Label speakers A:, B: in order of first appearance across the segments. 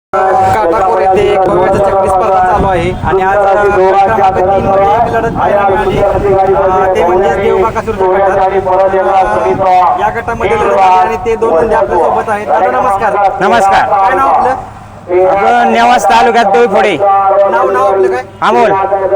A: काटाकोर येथे भव्याच्या चक्री स्पर्धा चालू आहे आणि आज क्रमांक 3 मध्ये एक लढत पाहायला मिळाली, ते म्हणजे देवबाकासूरच्या गटात. या गटामध्ये लढत आहे आणि ते दोन म्हणजे आपल्या सोबत आहेत. दादा नमस्कार.
B: नमस्कार.
A: काय नाव आपलं?
B: आपण नेवास तालुक्यात डोईफोडे.
A: नाव आपलं काय?
B: अमोल.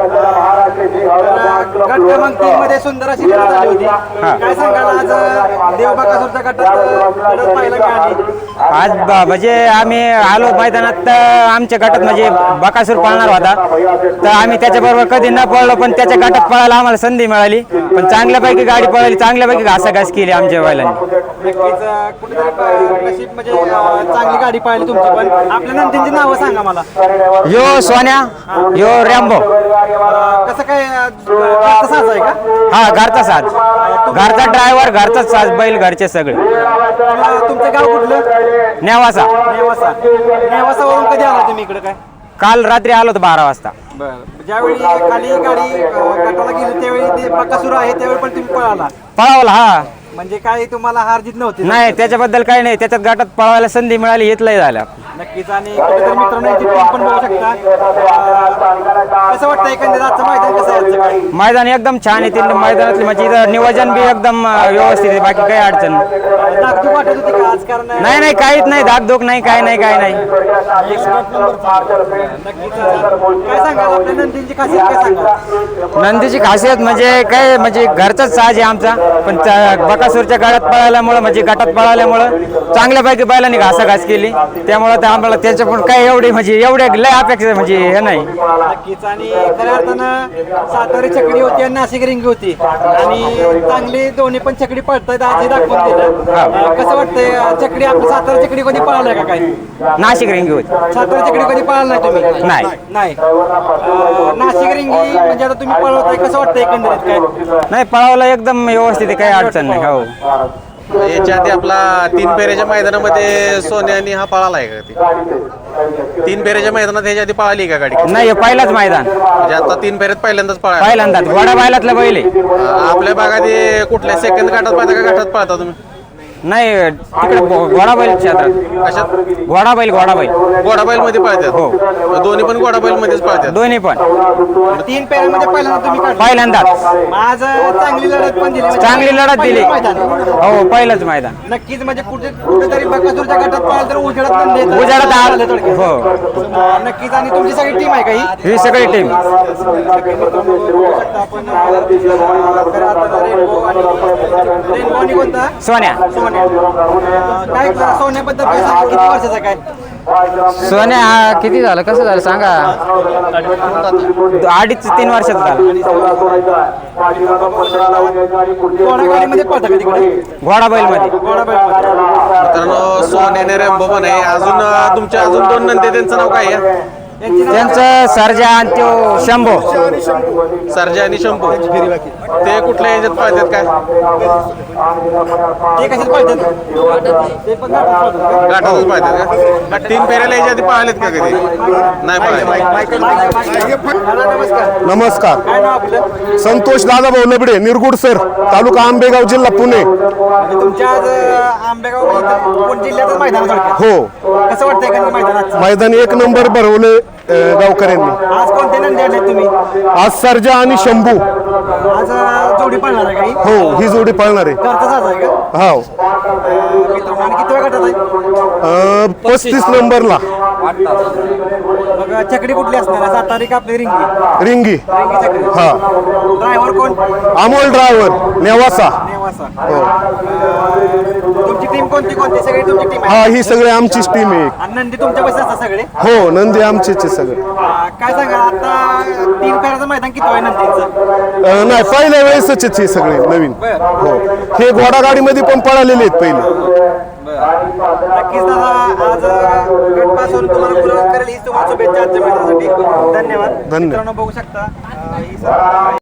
A: गट क्रमांक 3 मध्ये सुंदर अशी लढत झाली होती. काय सांगाल आज देवबाकासूरच्या गटात लढत पाहायला मिळाली?
B: आज म्हणजे आम्ही आलो मैदानात तर आमच्या गटात म्हणजे बकासूर पळणार होता, तर आम्ही त्याच्याबरोबर कधी न पळलो, पण त्याच्या गटात पळायला आम्हाला संधी मिळाली. पण चांगल्यापैकी गाडी पळाली, चांगल्यापैकी घासाघास केली आमच्या बैलांनी.
A: नक्कीच कुठेतरी नशीब म्हणजे चांगली गाडी पाहिली तुमची. पण आपल्या नंदींची नावं सांगा मला.
B: यो सोन्या, यो रॅम्बो.
A: कसं काय घरचा साज आहे का?
B: हा, घरचा साज, घरचा ड्रायव्हर, घरचाच साज, बैल घरचे सगळे.
A: तुमचं गाव कुठलं?
B: नेवासा.
A: नेवासावरून कधी आला तुम्ही इकडे? काय
B: काल रात्री आलो होतो 12 वाजता.
A: ज्यावेळी खाली गाडी गटाला गेली त्यावेळी ते बकासूर आहे त्यावेळी पण तुम्ही पळाला?
B: पळावला. हा,
A: म्हणजे काय तुम्हाला हार जीत नव्हती?
B: नाही, त्याच्याबद्दल काही नाही. त्याच्यात गटात पळवायला संधी मिळाली, इथलंही झालं.
A: नक्कीच. आणि कुठेतरी मित्रांनो याची टीम पण बघू शकता. कसं वाटतं एकंदरीत आजचं मैदान कसं आहे?
B: मैदान एकदम छान आहे. तीन मैदानातली म्हणजे इथं नियोजन बी एकदम व्यवस्थित आहे, बाकी काही अडचण नाही.
A: धाकधूक वाटत होती का आज? कारण
B: नाही, काहीच नाही, धाकधूक नाही, काय नाही.
A: नक्कीच. काय सांगाल आपल्या नंदींची खासियत? काय सांगाल?
B: नंदीची खासियत म्हणजे काय, म्हणजे घरचाच साज आहे आमचा, पण बकासूरच्या गटात पळाल्यामुळं म्हणजे गटात पळाल्यामुळं चांगल्यापैकी बैलांनी घासाघास केली, त्यामुळं तर आम्हाला त्याच्या पण काय एवढी म्हणजे एवढे लय अपेक्षा म्हणजे हे नाही.
A: नक्कीच. आणि खऱ्या अर्थानं सातारी चकडी होती आणि नाशिक रिंगी होती आणि चांगली दोन्ही पण चकडी पळतायत, आजही दाखवून दिलं. कसं वाटतंय चकडी? आपली सातारा चकडी कधी पळालाय का? काय
B: नाशिक रिंगी होती.
A: सातारा चकडी कधी पळाला नाही तुम्ही? नाही. नाशिक रिंगी म्हणजे आता तुम्ही पळवताय, कसं वाटतं एकंदरीत? काय
B: नाही, पळावला एकदम व्यवस्थित आहे, काही अडचण नाही. हो,
C: याच्या आधी आपला 3 फेऱ्याच्या मैदानामध्ये सोन्यानी हा पळाला आहे का? 3 फेऱ्याच्या मैदानात ह्याच्या आधी पळाली का गाडी?
B: नाही, पहिलाच मैदान,
C: म्हणजे आता 3 फेऱ्यात पहिल्यांदाच पळाला.
B: पहिल्यांदाच घोडा बैलातला बैल आहे.
C: आपल्या भागात कुठल्या सेकंद गटात पळता का गटात पळता तुम्ही?
B: नाही, तिकडे घोडा बैल क्षेत्रात.
C: कशात?
B: घोडा बैल
C: घोडाबैल मध्ये पळतात. हो, दोन्ही पण घोडाबैल मध्येच पळतात.
B: दोन्ही पण
A: 3 पेऱ्यामध्ये पहिल्यांदा तुम्ही काढलं?
B: पहिल्यांदाच.
A: आज चांगली लढत पण दिली.
B: चांगली लढत दिली. हो, पहिलंच मैदान.
A: नक्कीच. म्हणजे कुठेतरी बकासूरच्या गटात पळाल तर उजेडात पण देत.
B: उजेडात आलं. हो,
A: नक्कीच. आणि तुमची सगळी टीम आहे का ही?
B: ही सगळी टीम.
A: रेनबो आणि कोणता?
B: सोन्या.
A: काय सोन्याबद्दल काय सांगा? किती वर्षाचा? काय
B: सोन्या हा किती झालं, कसं झालं सांगा? 2.5-3 वर्षाचा झाला.
A: घोडागाडीमध्ये पळता का तिकडे?
B: घोडा बैल मध्ये.
C: मित्रांनो, सोन्याने रेम्बो पण आहे. अजून तुमच्या अजून 2 नंदी, त्यांचं नाव काय आहे?
B: त्यांचं सर्जा आणि तो शंभो.
C: सर्जा आणि शंभू. ते कुठल्या ह्याच्यात पळतात काय?
A: ते कशात पळतात? ते पण
C: गाठातच पळतात का? 3 फेऱ्याला ह्याच्या आधी पळालेत का कधी? नाही पळाले.
A: नमस्कार.
D: नमस्कार.
A: काय नाव आपलं?
D: संतोष दादाभाऊ लबडे, निरगुड सर, तालुका आंबेगाव, जिल्हा पुणे.
A: म्हणजे तुमच्या आज आंबेगाव पुणे जिल्ह्यातच मैदान थोडक्यात.
D: हो,
A: कसं वाटतंय का मैदानात?
D: मैदान 1 नंबर भरवले गावकऱ्यांनी.
A: आज कोणते नंदी आणले तुम्ही?
D: आज सर्जा आणि शंभू.
A: आज जोडी पळणार आहे काही?
D: हो, ही जोडी पळणार आहे.
A: घरचा साज आहे का?
D: हो,
A: मित्रांनो, आणि किती वेळ गटात आहे?
D: 35 नंबरला
A: मग चकडी कुठली असणार आहे? सातारी का आपली रिंगी?
D: रिंगी.
A: रिंगी चकडी.
D: हा,
A: ड्रायव्हर कोण?
D: अमोल ड्रायव्हर, नेवासा.
A: नेवासा.
D: हो,
A: तुमची टीम कोणती? सगळी तुमची टीम आहे?
D: हा, ही सगळी आमचीच टीम आहे.
A: आणि नंदी तुमच्या बस असतात सगळे?
D: हो, नंदी आमचेच आहे सगळे.
A: काय सांगा आता 3 फेऱ्याचं मैदान किती आहे नंदीचं?
D: नाही, पहिल्या वेळेसच आहे सगळे नवीन. हो, हे घोडागाडीमध्ये पण पळालेले आहेत पहिले.
A: नक्कीच दादा, आज गट पास होऊन तुम्हाला गुलाब करेल ही तुम्हाला शुभेच्छा आजच्या मैदानासाठी. धन्यवाद. मित्रांनो, बघू शकता ही सर्व